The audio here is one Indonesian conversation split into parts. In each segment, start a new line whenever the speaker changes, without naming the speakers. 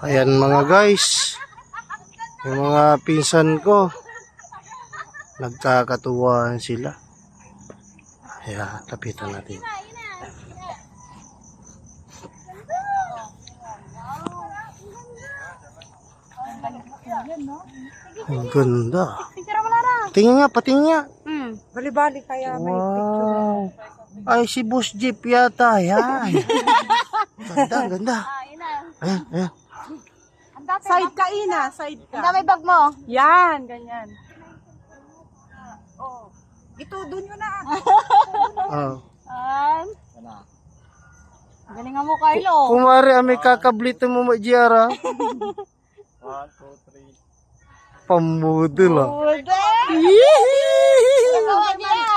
Ayan mga guys, yung mga pinsan ko, nagkakatuwaan sila. Ayan, lapitan natin. Ang ganda. Tingin nga, patingin nga.
Bali-bali kaya may picture.
Wow. Ay, si Boss Jeep yata. Yan. Ganda, ganda. Ayan, ayan.
Side ka, Ina. Side ka.
Ang dami bag mo.
Yan, ganyan. Oh. Ito, dun yun na.
Oh.
Galingan mo, Carlo.
Kumari, may kakablitin mo Giara.
1, 2, 3.
Pamudol ah.
Nagawa niya.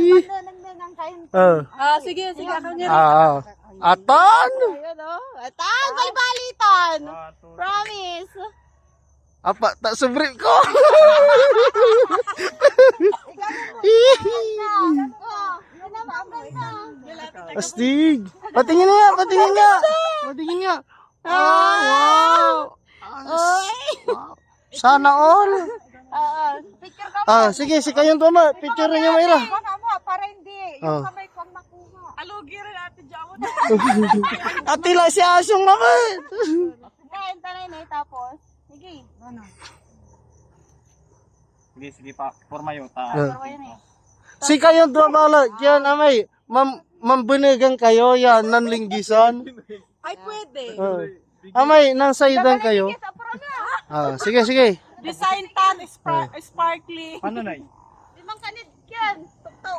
Sige, sige. Ako niya.
Atan!
Ayun o. Atan, may baliton. Promise.
Apa, tak subrit ko. Astig. Patingin nga, patingin nga. Patingin nga. Wow. Wow. Sana all.
Picture ka.
Sige, si kayong tuma. Picture niyo Mayra.
Baka mo, para hindi. Yung kamay ko ang makuha. Alugi rin ate Jamo.
Atila si Asyong naman.
Kain tanay na tapos. Sige.
Sige, sige pa. Forma yun.
Si kayong tuma. Yan, amay. Mambunigan kayo. Yan, nanlinggisan.
Ay, pwede.
Amay, nang saidan kayo. Sige, sige.
Design tan, sparkly.
Paano na
Limang kanid yan. Tuktok.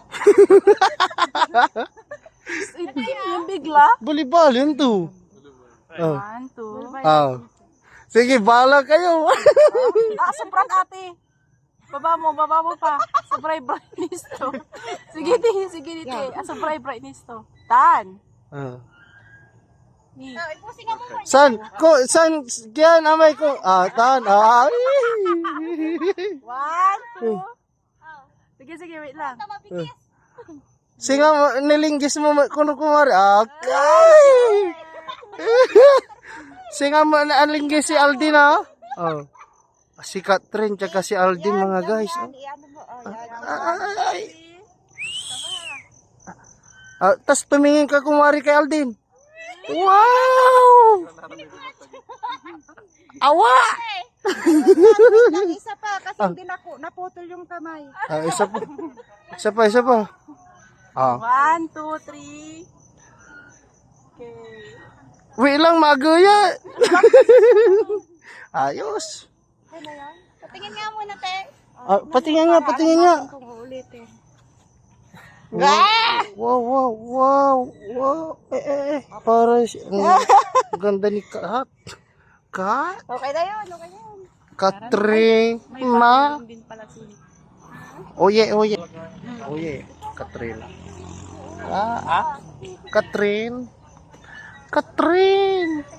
Yung bigla.
Balibal, yun to.
1, 2.
Sige, bala kayo.
Sobrang ate. Baba mo pa. Sobrang brightness to. Sige, dito. Sobrang brightness to. Tan.
Ipusin nga mo.
San, yan, amay ko. Tan,
1, 2. Sige, wait lang.
Mabigis.
Singa, nilinggis mo, kuno kumari. Okay. Singa, nalinggis si Aldin, ha? Si Catherine, tsaka si Aldin, mga guys. Tas tumingin ka kumari kay Aldin. Wow! Awa!
Isa pa, kasi hindi naputol yung kamay.
Isa pa.
1, 2, 3. Okay.
Wait lang, maguya. Ayos.
Patingin nga muna, te.
Patingin nga.
Kung uulitin.
Wow. Para ang ganda ni Kat.
Okay na yun.
Catherine na.
Din pala sila.
Oye. Catherine. Catherine.